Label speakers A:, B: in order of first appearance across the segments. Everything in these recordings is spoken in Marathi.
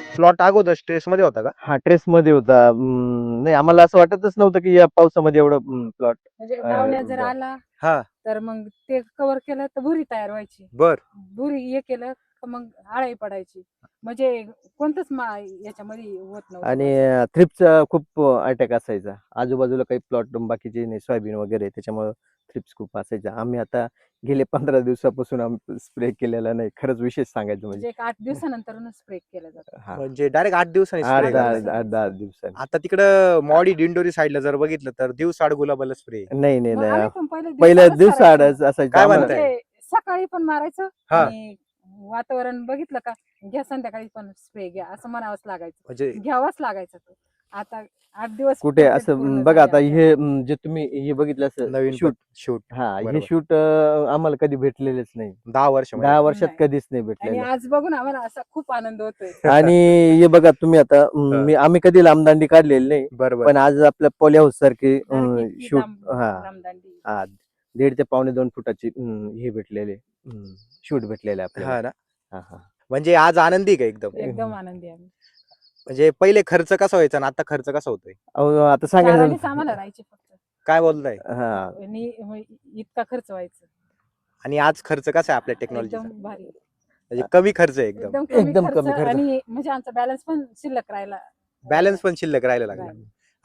A: प्लॉट अगोदर स्ट्रेस मध्ये होता का?
B: हा ट्रेस मध्ये होता. नाही आम्हाला असं वाटतच नव्हतं की या पावसामध्ये एवढं प्लॉट
C: म्हणजे डावण्या जर आला
A: हा.
C: तर मग ते कव्हर केलं तर भुरी तयार व्हायची.
A: बर.
C: भुरी हे केलं तर मग आळाई पडायची. म्हणजे कोणतंच याच्यामध्ये होत नव्हतं.
B: आणि थ्रिप्सचा खूप अटॅक असायचा. आजूबाजूला काही प्लॉट बाकीचे नाही, सोयाबीन वगैरे, त्याच्यामुळे थ्रिप्स खूप असायचा. आम्ही आता गेले 15 दिवसापासून स्प्रे केलेला नाही. खरंच विशेष सांगायचं म्हणजे.
C: म्हणजे एक 8 दिवसानंतरच स्प्रे केला जातो.
B: हा.
A: म्हणजे डायरेक्ट 8 दिवसांनी
B: आठ
A: स्प्रे
C: दहा-
A: करताय.
B: 10 दिवसांनी.
A: आता तिकडं मॉडी दिंडोरी साईडला जर बघितलं तर दिवसाआड गुलाबाला स्प्रे.
B: नाही नाही
C: मग आम्ही
B: नाही
C: पण
B: पहिल्या
C: दिवसालाच
B: दिवसा
C: करायचो.
B: असायचं
A: काय
B: आम्हाला.
A: म्हणताय?
C: म्हणजे सकाळी पण मारायचं
A: हा.
C: आणि वातावरण बघितलं का घ्या संध्याकाळी पण स्प्रे घ्या असं म्हणावंच लागायचं.
A: म्हणजे
C: घ्यावाच लागायचं तो. आता 8 दिवस
B: कुठे
C: complete
B: असं
C: पूर्ण
B: बघा आता
C: झाले
B: हे
C: आमच्या.
B: जे तुम्ही हे बघितलं असं
A: नवीन
B: शूट.
A: शूट
B: हा, हे
A: बरोबर.
B: शूट आम्हाला कधी भेटलेलेच नाही.
A: 10 वर्षामध्ये.
B: 10 वर्षात
C: नाही.
B: कधीच नाही
C: आणि
B: भेटलेलं.
C: आज बघून आम्हाला असा खूप आनंद होतोय.
B: आणि हे बघा तुम्ही आता आम्ही कधी लांबदांडी काढलेली नाही,
A: बरोबर.
B: पण आज आपल्या पॉली हाऊस सारखी
C: इतकी
B: शूट
C: लांबदांडी.
B: हा 1.5 ते पावणे 2 फुटाची हे भेटलेले शूट भेटलेले आपल्याला.
A: हा ना.
B: हा हा.
A: म्हणजे आज आनंदी का एकदम?
C: एकदम आनंदी आम्ही.
A: म्हणजे पहिले खर्च कसा व्हायचा आणि आता खर्च कसा होतोय?
B: अहो, आता सांगायचं
C: चारानेच आम्हाला राहायचे फक्त.
A: काय बोलताय?
B: हा
C: आणि इतका खर्च व्हायचा.
A: आणि आज खर्च कसा आहे आपल्या टेक्नॉलॉजीचा?
C: एकदम भारी.
A: म्हणजे कमी खर्च आहे एकदम.
C: एकदम कमी
B: एकदम
C: खर्च
B: कमी खर्च.
C: आणि म्हणजे आमचा बॅलन्स पण शिल्लक राहिला.
A: बॅलन्स पण शिल्लक राहायला लागला.
C: राहिला.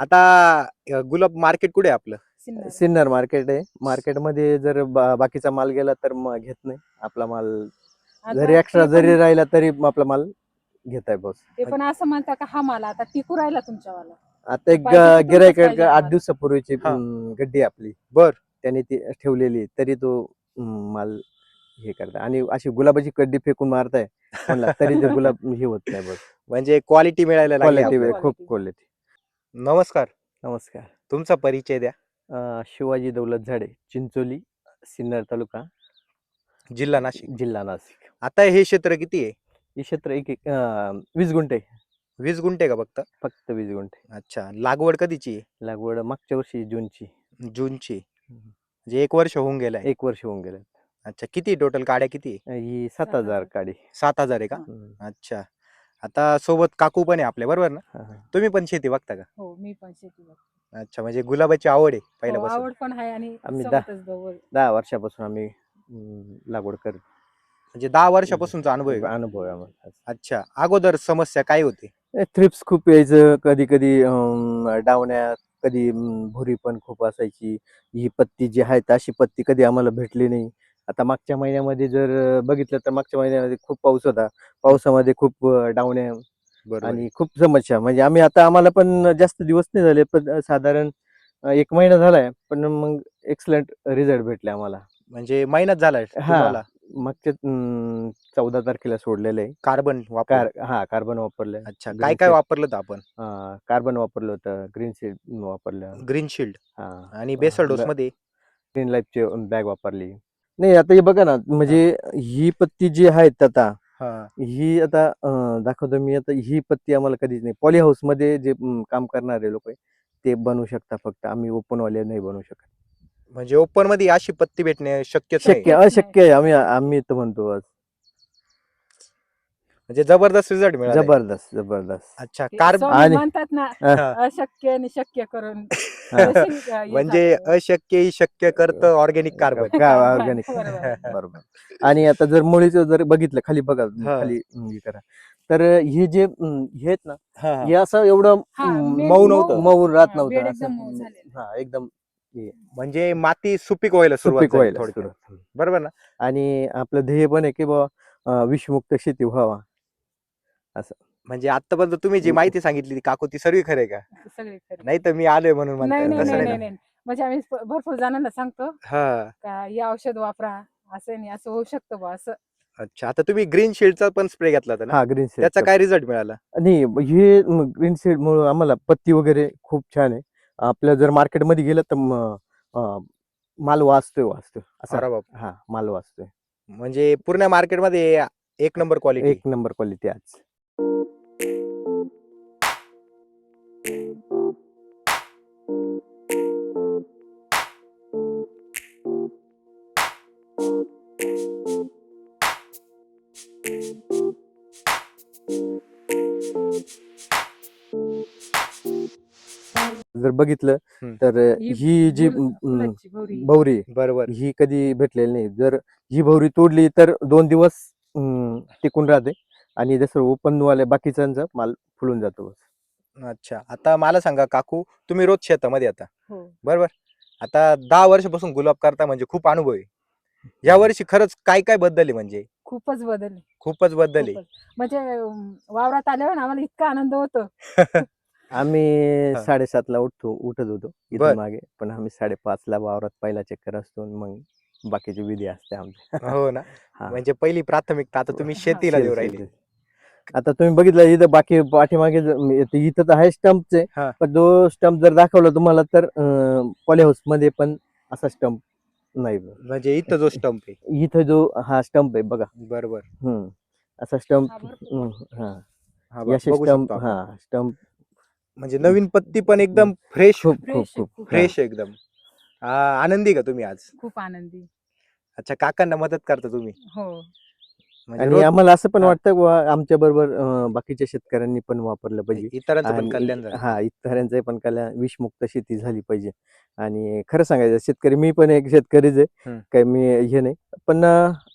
A: आता गुलाब मार्केट कुठे आहे आपलं?
C: सिन्नर.
B: सिन्नर मार्केट आहे. मार्केटमध्ये जर बाकीचा माल गेला तर मग घेत नाही. आपला माल
C: आता
B: जरी एक्स्ट्रा
C: ते
B: जरी
C: पण-
B: राहिला तरी आपला माल घेत आहे बॉस.
C: ते पण असं म्हणता का हा मला आता टिकू राहिला तुमच्यावाला.
B: आता एक
C: पाहिजे तर तुमचंच
B: गिरायक
C: पाहिजे
B: 8
C: आम्हाला.
B: दिवसापूर्वीची
A: हा.
B: गड्डी आहे आपली.
A: बर.
B: त्याने ती ठेवलेली तरी तो माल हे करताय आणि अशी गुलाबाची कड्डी फेकून मारताय म्हणला तरी ते गुलाब हे होत नाही बस.
A: म्हणजे क्वालिटी मिळायला लागली
B: क्वालिटी
A: आपल्याला.
B: खूप क्वालिटी.
A: नमस्कार.
B: नमस्कार.
A: तुमचा परिचय द्या.
B: शिवाजी दौलत झाडे, चिंचोली, सिन्नर तालुका,
A: जिल्हा नाशिक.
B: जिल्हा नाशिक.
A: आता हे क्षेत्र किती आहे?
B: हे क्षेत्र 20 गुंठे.
A: 20 गुंठे का फक्त?
B: फक्त 20 गुंठे.
A: अच्छा. लागवड कधीची आहे?
B: लागवड मागच्या वर्षी जूनची.
A: जूनची. म्हणजे 1 वर्ष होऊन गेलाय.
B: 1 वर्ष होऊन गेलं.
A: अच्छा. किती टोटल काड्या किती आहे?
B: ही 7,000 काडी.
A: 7,000 आहे का?
B: हम्म.
A: अच्छा. आता सोबत काकू पण आहे आपल्या, बरोबर ना?
B: हा, हा.
A: तुम्ही पण शेती बघता का?
C: हो मी पण शेती
A: अच्छा. म्हणजे गुलाबाची आवड आहे पहिल्यापासून.
C: आवड पण आहे आणि
B: आम्ही
C: सोबतच दोघं.
B: 10 वर्षापासून आम्ही लागवड करतो.
A: म्हणजे 10 वर्षापासूनचा अनुभव आहे का?
B: अनुभव आहे आम्हाला.
A: अच्छा. अगोदर समस्या काय होती?
B: थ्रिप्स खूप यायचं, कधी कधी डावण्या, कधी भुरी पण खूप असायची. ही पत्ती जी आहे अशी पत्ती कधी आम्हाला भेटली नाही. आता मागच्या महिन्यामध्ये जर बघितलं तर मागच्या महिन्यामध्ये खूप पाऊस होता. पावसामध्ये खूप डावण्या
A: बरोबर.
B: आणि खूप समस्या. म्हणजे आम्हाला पण जास्त दिवस नाही झाले, पण साधारण 1 महिना झालाय, पण मग एक्सलंट रिझल्ट भेटले आम्हाला.
A: म्हणजे महिनाच झालाय तुम्हाला?
B: मागच्या 14 तारखेला सोडलेलं आहे.
A: कार्बन वापर.
B: कार्बन वापरलंय.
A: अच्छा. काय काय वापरलं होतं आपण?
B: कार्बन वापरलं होतं, ग्रीन सीड वापरलं.
A: ग्रीन शिल्ड
B: हा
A: आणि बेसल डोस मध्ये
B: ग्रीन लाईफची बॅग वापरली. नाही आता हे बघा ना, म्हणजे ही पत्ती जी आहेत आता, ही आता दाखवतो मी. आता ही पत्ती आम्हाला कधीच नाही. पॉली हाऊस मध्ये जे काम करणारे लोक आहे ते बनवू शकता, फक्त आम्ही ओपन वाले नाही बनवू शकत.
A: म्हणजे ओपन मध्ये अशी पत्ती भेटणे शक्यच नाही.
B: अशक्य आहे. आम्ही तर म्हणतो आज.
A: म्हणजे जबरदस्त रिझल्ट मिळाला.
B: जबरदस्त.
A: अच्छा.
C: स्वामी म्हणतात ना,
A: हा.
C: अशक्य आणि शक्य करून.
A: म्हणजे अशक्य ही शक्य करतं ऑर्गॅनिक कार्बन.
B: ऑर्गॅनिक.
C: बरोबर.
B: बरोबर. आणि आता जर मुळीचं जर बघितलं खाली बघा,
A: हा.
B: खाली हे करा, तर हे जे हे आहेत ना,
A: हा.
B: हे असं एवढं
A: मऊ नव्हतं.
B: मऊ राहत
C: बेड
B: नव्हतं
C: एकदम मऊ
B: असं.
C: झालेलं.
B: हा एकदम
A: म्हणजे माती सुपीक व्हायला सुरुवात
B: सुपीक
A: झाली
B: व्हायला
A: थोडक्यात.
B: सुरुवात.
A: बरोबर ना?
B: आणि आपलं ध्येय पण आहे की बाबा विषमुक्त शेती व्हावा असं.
A: म्हणजे आतापर्यंत तुम्ही जी माहिती सांगितली ती काकू ती सर्व खरे का?
C: सगळे खरे.
A: नाही तर मी आलोय म्हणून म्हणताय.
C: नाही
A: तसं
C: नाही
A: नाही
C: नाही
A: ना?
C: नाही. म्हणजे आम्ही भरपूर जणांना सांगतो
A: हा.
C: का हे औषध वापरा, असं नाही असं होऊ शकतं बा असं.
A: अच्छा. आता तुम्ही ग्रीन शील्डचा पण स्प्रे घेतला होता ना?
B: हा, ग्रीन सीड.
A: त्याचा काय रिझल्ट मिळाला?
B: आणि हे ग्रीन सीड मुळे आम्हाला पत्ती वगैरे खूप छान आहे. आपल्या जर मार्केटमध्ये गेलं तर माल वाचतोय असं.
A: अरे बाप.
B: हा, माल वाचतोय.
A: म्हणजे पूर्ण मार्केटमध्ये 1 नंबर क्वालिटी.
B: 1 नंबर क्वालिटी आज. जर बघितलं
A: हम्म.
B: तर ही जी
C: फुलाची भवरी.
B: भवरी
A: बरोबर.
B: ही कधी भेटलेली नाही. जर ही भवरी तोडली तर 2 दिवस टिकून राहते आणि जसं ओपन वाले बाकीच्यांचा माल फुलून जातो.
A: अच्छा, आता मला सांगा काकू, तुम्ही रोज शेतामध्ये येता
C: हो.
A: बरोबर. आता 10 वर्षापासून गुलाब करता म्हणजे खूप अनुभव आहे. या वर्षी खरंच काय काय बदल आहे म्हणजे
C: खूपच बदल
A: खूपच बदल आहे.
C: खूपच. म्हणजे वावरात आल्यावर ना आम्हाला इतका आनंद होतो.
B: आम्ही
A: हा.
B: 7:30ला उठत होतो
A: बर.
B: इथून मागे, पण आम्ही 5:30ला वावरात पहिला चक्कर असतो आणि मग बाकीची विधी असते आमच्या.
A: हो ना.
B: हा.
A: म्हणजे पहिली प्राथमिकता आता तुम्ही
C: हा.
A: शेतीला देऊ राहिले.
B: शेती. आता तुम्ही बघितलं इथं बाकी पाठीमागे इथं तर आहे स्टंपचे,
A: हा.
B: पण जो स्टंप जर दाखवला तुम्हाला तर पॉली हाऊस मध्ये पण असा स्टंप नाही.
A: म्हणजे इथं जो स्टंप आहे.
B: इथं जो हा स्टंप आहे बघा,
A: बरोबर.
B: असा स्टंप.
C: हा, भरपूर.
B: हा,
A: हा बघ,
B: याचे
A: बघू
B: स्टंप.
A: शकतो आपण.
B: हा, स्टंप
A: म्हणजे नवीन पत्ती पण एकदम फ्रेश
B: खूप खूप
C: फ्रेश
B: खूप
C: खूप.
A: फ्रेश एकदम. आनंदी का तुम्ही आज?
C: खूप आनंदी.
A: अच्छा, काकांना मदत करता तुम्ही
C: हो.
A: म्हणजे
B: आणि
A: रोज
B: आम्हाला असं पण
A: हा.
B: वाटतं की आमच्या बरोबर बाकीच्या शेतकऱ्यांनी पण वापरलं पाहिजे
A: इतरांचं पण
B: आणि
A: कल्याण झालं.
B: हा, इतरांचं पण कल्याण, विषमुक्त शेती झाली पाहिजे. आणि खरं सांगायचं शेतकरी, मी पण एक शेतकरीच आहे,
A: हम्म.
B: काही मी हे नाही, पण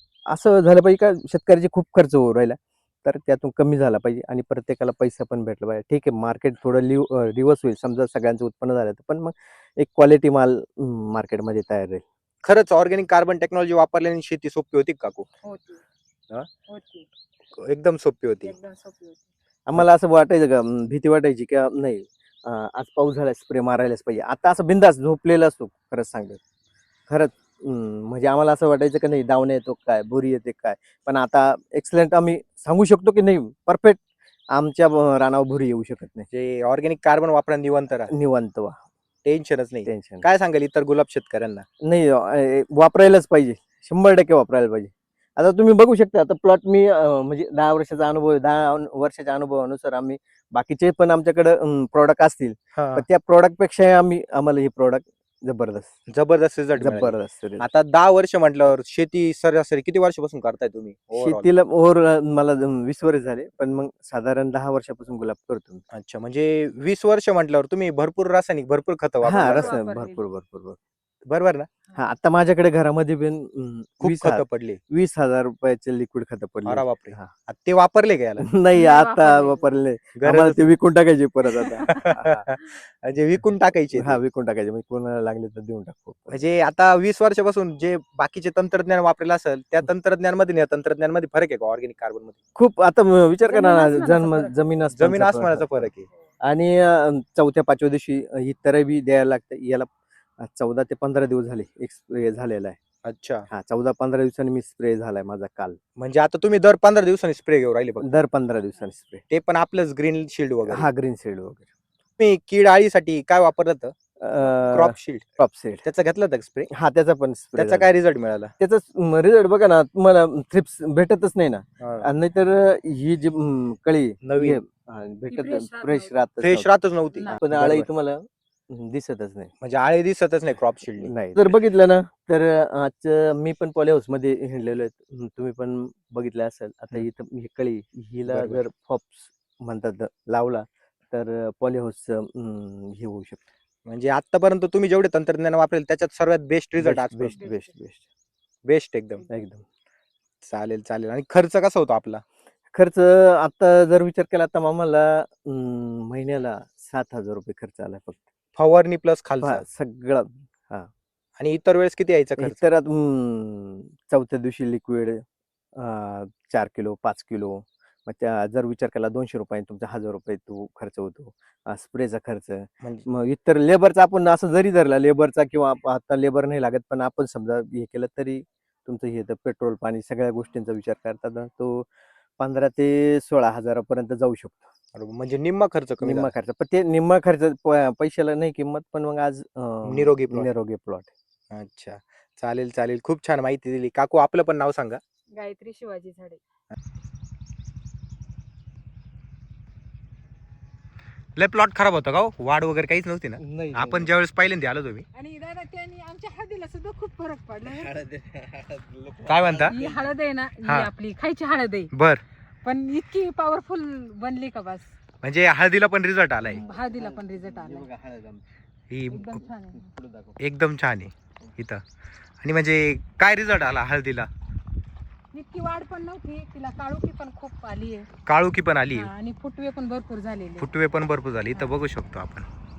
B: असं झालं पाहिजे का शेतकऱ्याचे खूप खर्च होऊ राहिला, तर त्यातून कमी झाला पाहिजे आणि प्रत्येकाला पैसा पण भेटला पाहिजे. ठीक आहे, मार्केट थोडं रिवर्स होईल समजा सगळ्यांचं उत्पन्न झालं तर, पण मग एक क्वालिटी माल मार्केटमध्ये तयार राहील.
A: खरंच ऑर्गॅनिक कार्बन टेक्नॉलॉजी वापरल्याने शेती सोपी होती का काकू?
C: होती.
A: हा?
C: होती.
A: एकदम सोपी होती.
C: एकदम सोपी होती.
B: आम्हाला असं वाटायचं का भीती वाटायची की नाही आज पाऊस झाला स्प्रे मारायलाच पाहिजे. आता असं बिंदास झोपलेला असतो खरंच सांगतो. खरंच म्हणजे आम्हाला असं वाटायचं की नाही दावणे येतो काय, बोरी येते काय, पण आता एक्सलेंट आम्ही सांगू शकतो की नाही परफेक्ट आमच्या रानावर भुरी येऊ शकत नाही.
A: जे ऑर्गॅनिक कार्बन वापरा निवंत राहा,
B: निवांत वा,
A: टेन्शनच नाही.
B: टेन्शन
A: काय सांगाल इतर गुलाब शेतकऱ्यांना?
B: नाही. वापरायलाच पाहिजे, 100% वापरायला पाहिजे. आता तुम्ही बघू शकता, आता प्लॉट मी म्हणजे 10 वर्षाचा अनुभव आहे. 10 वर्षाच्या अनुभवानुसार आम्ही बाकीचे पण आमच्याकडे प्रॉडक्ट असतील, पण त्या प्रॉडक्ट पेक्षा आम्हाला हे प्रॉडक्ट जबरदस्त
A: जबरदस्त रिझल्ट मिळाले.
B: जबरदस्त result.
A: आता 10 वर्ष म्हटल्यावर शेती सरासरी किती वर्षापासून करताय तुम्ही overall?
B: शेतीला मला 20 वर्ष झाले, पण मग साधारण 10 वर्षापासून गुलाब करतो मी.
A: अच्छा, म्हणजे 20 वर्ष म्हटल्यावर तुम्ही भरपूर रासायनिक भरपूर खत
B: हा,
A: वापरला
B: रस
A: असेल.
C: वापरलेली.
B: भरपूर.
A: बरोबर ना?
B: हा, आता माझ्याकडे घरामध्ये पण
A: खूप खत पडले.
B: 20,000 रुपयाचे लिक्विड खत पडले.
A: अरे बापरे.
B: हा.
A: आता ते वापरले का याला?
B: नाही,
C: नाही
B: आता
C: वापरले.
B: वापरले.
A: गरजच
B: आम्हाला ते
A: नाही.
B: विकून टाकायचे परत आता.
A: म्हणजे विकून टाकायचे
B: हा,
A: ते.
B: विकून टाकायचे, म्हणजे कोणाला लागले तर देऊन टाकू.
A: म्हणजे आता 20 वर्षापासून जे बाकीचे तंत्रज्ञान वापरलेलं असेल त्या तंत्रज्ञानमध्ये आणि या तंत्रज्ञानमध्ये फरक आहे का ऑर्गॅनिक कार्बन मध्ये?
B: खूप. आता विचार करा ना,
C: जमीन आसमानाचा फरक आहे.
B: जमीन
A: जमीन
B: आसमानाचा
A: आसमानाचा फरक आहे.
B: आणि 4थ्या-5व्या दिवशी ही तरबी द्यायला लागते. याला 14 ते 15 दिवस झाले एक स्प्रे झालेला आहे.
A: अच्छा,
B: हा, 14-15 दिवसांनी मी स्प्रे झालाय माझा काल.
A: म्हणजे आता तुम्ही दर 15 दिवसांनी स्प्रे घेऊन राहिले फक्त.
B: दर 15 दिवसांनी स्प्रे.
A: ते पण आपलंच ग्रीन शिल्ड वगैरे.
B: हा, ग्रीन शेड वगैरे.
A: तुम्ही कीड आळीसाठी काय वापरलं होतं? Crop shield.
B: Crop shade.
A: त्याचं घेतलं होतं स्प्रे?
B: हा, त्याचा पण स्प्रे.
A: त्याचा काय रिझल्ट मिळाला?
B: त्याचा रिझल्ट बघा ना, तुम्हाला थ्रिप्स भेटतच नाही ना.
A: हा.
B: नाहीतर ही जी कळी
A: नवीन.
B: हे, भेटत
C: fresh राहत
B: फ्रेश
C: नव्हती.
B: राहत
A: फ्रेश राहतच नव्हती.
C: नाही.
B: पण
A: बरोबर.
B: आळी तुम्हाला दिसतच नाही.
A: म्हणजे आळे दिसतच नाही क्रॉप शिल्ड.
B: नाही, जर बघितलं ना तर आज मी पण पॉली हाऊस मध्ये हिंडलेलो आहे, तुम्ही पण बघितलं असेल. आता इथं ही कळी हिला
A: बरोबर.
B: जर फॉप्स म्हणतात लावला तर पॉली हाऊस हे होऊ शकतं.
A: म्हणजे आतापर्यंत तुम्ही जेवढे तंत्रज्ञान वापरेल त्याच्यात सर्वात बेस्ट रिझल्ट आज
B: best
C: best.
B: Best best
A: best एकदम.
B: एकदम.
A: चालेल चालेल. आणि खर्च कसा होतो आपला?
B: खर्च आता जर विचार केला तर आम्हाला महिन्याला 7,000 रुपये खर्च आला फक्त.
A: फवारणी प्लस खालचा
B: सगळं. हा,
A: आणि इतर वेळेस किती यायचा खर्च?
B: तर 4थ्या दिवशी लिक्विड 4 किलो 5 किलो, मग त्या जर विचार केला 200 रुपये तुमचा 1,000 रुपये तो खर्च होतो. स्प्रेचा खर्च,
A: म्हणजे
B: मग इतर लेबरचा आपण असं जरी धरला लेबरचा, किंवा आता लेबर नाही लागत पण आपण समजा हे केलं तरी तुमचं हे तर पेट्रोल पाणी सगळ्या गोष्टींचा विचार करता तो 15 ते 16,000 पर्यंत जाऊ शकतो.
A: बरोबर. म्हणजे निम्मा खर्च कमी
B: निम्मा
A: झाला.
B: खर्च, पण ते निम्मा खर्च पैशाला नाही किंमत, पण मग आज
A: निरोगी plot.
B: निरोगी प्लॉट.
A: अच्छा, चालेल चालेल. खूप छान माहिती दिली काकू. आपलं पण नाव सांगा.
C: गायत्री शिवाजी झाडे.
A: लय प्लॉट खराब होता का हो? वाढ वगैरे काहीच नव्हती ना?
B: नाही,
A: आपण ज्यावेळेस पहिल्यांदा आलो तुम्ही.
C: आणि दादा त्यांनी आमच्या हळदीला सुद्धा खूप फरक पडला.
A: काय म्हणता?
C: ही हळद आहे ना, ही
A: हा.
C: आपली खायची हळद आहे,
A: बर.
C: पण इतकी पॉवरफुल बनली का बस.
A: म्हणजे हळदीला पण रिझल्ट आलाय.
C: हळदीला पण रिझल्ट आला.
A: ही
C: एकदम छान आहे.
A: एकदम छान आहे इथं. आणि म्हणजे काय रिझल्ट आला हळदीला?
C: इतकी वाढ पण नव्हती, तिला काळोखी पण खूप आली आहे
A: काळुकी पण आली,
C: आणि फुटवे पण भरपूर झालेले.
A: फुटवे पण भरपूर झाले. इथं बघू शकतो आपण.